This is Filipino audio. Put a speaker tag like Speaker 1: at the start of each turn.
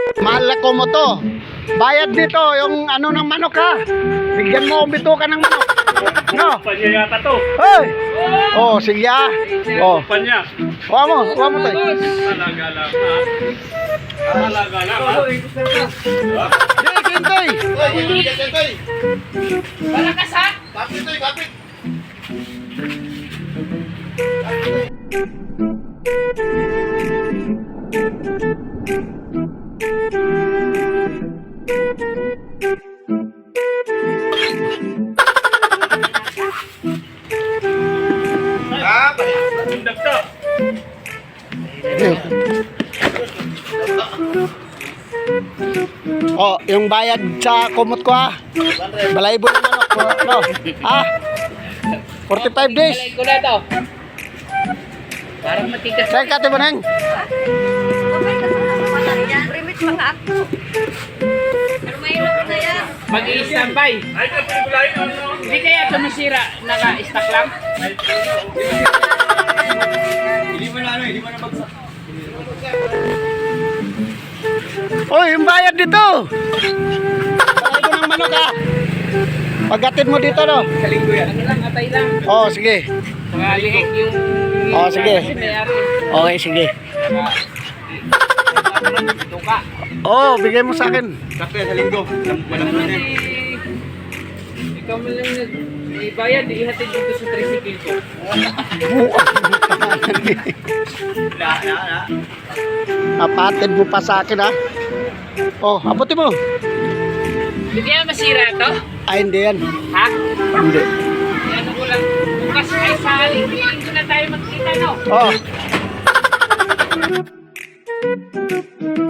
Speaker 1: Mahal na ko mo to. Bayad dito yung ano ng manok ha. Bigyan mo ang bituka ng manok. No?
Speaker 2: Panya yata to.
Speaker 1: Hey! Oh, sige ah. Oh.
Speaker 2: Panya.
Speaker 1: Huwag mo tayo.
Speaker 2: Talaga lang ha. Talaga lang ha.
Speaker 1: Hey, Kintoy!
Speaker 3: Malakas ha?
Speaker 2: Bundak to.
Speaker 1: Oh, yung bayad sa kumot ko ha. Balaybo ng manok. No? Ha? 45 days.
Speaker 3: Balay ko na to. Parang matigas.
Speaker 1: Saan ka ito Maneng?
Speaker 4: Remit mga ako. Pero may ilog na yan.
Speaker 3: Mag-i-standby.
Speaker 2: Ay, kapigulayin ano.
Speaker 3: Hindi kaya ito masira. Naka-stack lang.
Speaker 2: Hindi mo na bagsak.
Speaker 1: Oh, yung bayad dito. Balaybo ng manok ha. Paggatid mo dito no.
Speaker 3: Sa linggo yan. Ano lang, atay lang.
Speaker 1: Oh, sige.
Speaker 3: Mga lihik yung...
Speaker 1: Oh, sige.
Speaker 3: Mayari.
Speaker 1: Okay, sige.
Speaker 3: Tuka.
Speaker 1: Oh, bigay mo sa akin.
Speaker 2: Sakya sa linggo. Walang
Speaker 3: Naman ikaw mo lang ibayad, ihatid dito sa tricycle ko.
Speaker 1: Napatid mo pa sa akin ha. Oh, abutin mo.
Speaker 3: Hindi kaya masira ito?
Speaker 1: Ay, hindi yan.
Speaker 3: Ha?
Speaker 1: Hindi.
Speaker 3: Ano ko lang, bukas ay sa linggo na tayo magkita, no?
Speaker 1: Oh.